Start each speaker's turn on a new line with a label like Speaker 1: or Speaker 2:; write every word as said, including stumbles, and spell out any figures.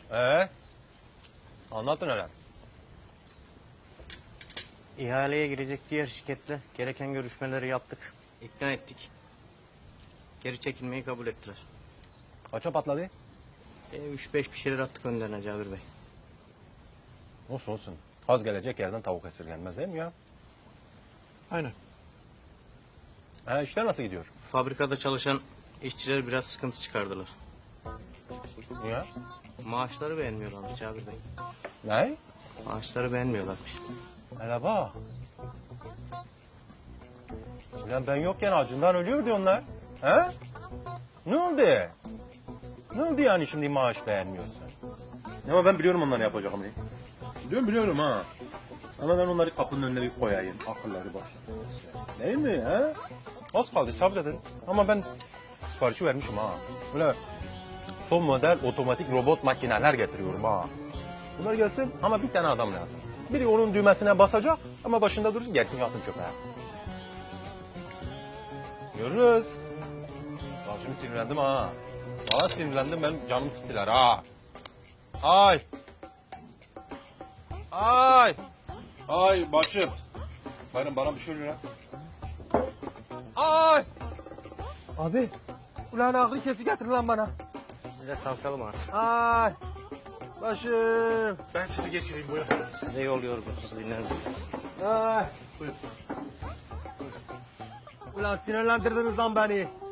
Speaker 1: Ee? Anlatın hele.
Speaker 2: İhaleye girecek diğer şirketle gereken görüşmeleri yaptık. İkna ettik. Geri çekilmeyi kabul ettiler.
Speaker 1: Kaça patladı?
Speaker 2: E, üç beş bir şeyler attık önlerine Cabir Bey.
Speaker 1: Olsun olsun. Kaz gelecek yerden tavuk esirgenmez değil mi ya?
Speaker 2: Aynen.
Speaker 1: Ha, işler nasıl gidiyor?
Speaker 2: Fabrikada çalışan işçiler biraz sıkıntı çıkardılar.
Speaker 1: Niye?
Speaker 2: Maaşları beğenmiyorlar Cabir Bey.
Speaker 1: Ne?
Speaker 2: Maaşları beğenmiyorlarmış.
Speaker 1: Hele bak. Ulan ben yokken acından ölüyordu onlar. He? Ne oldu? Ne oldu yani şimdi maaş beğenmiyorsun? Ama ben biliyorum onları yapacağımı. Biliyorum biliyorum ha. Ama ben onları kapının önüne bir koyayım. Akılları başlarına. Değil mi ha? Az kaldı sabredin. Ama ben siparişi vermişim ha. Böyle son model otomatik robot makineler getiriyorum ha. Bunlar gelsin ama bir tane adam lazım. Biri onun düğmesine basacak ama başında dursun, gelsin yatın çöpe. Görürüz. Bak şimdi sinirlendim ha. Valla sinirlendim, ben canımı sıktılar ha. Ay. Ay. Ay başım. Bayram bana bir şey oluyor ha. Ay. Abi. Ulan ağrı kesi getir lan bana.
Speaker 2: Biz de kalkalım artık.
Speaker 1: Ay. Başım.
Speaker 3: Ben sizi geçireyim buyurun.
Speaker 2: Size yol yorgunsuz dinler misiniz?
Speaker 1: Ay.
Speaker 3: Buyurun.
Speaker 1: Ulan sinirlendirdiniz lan beni.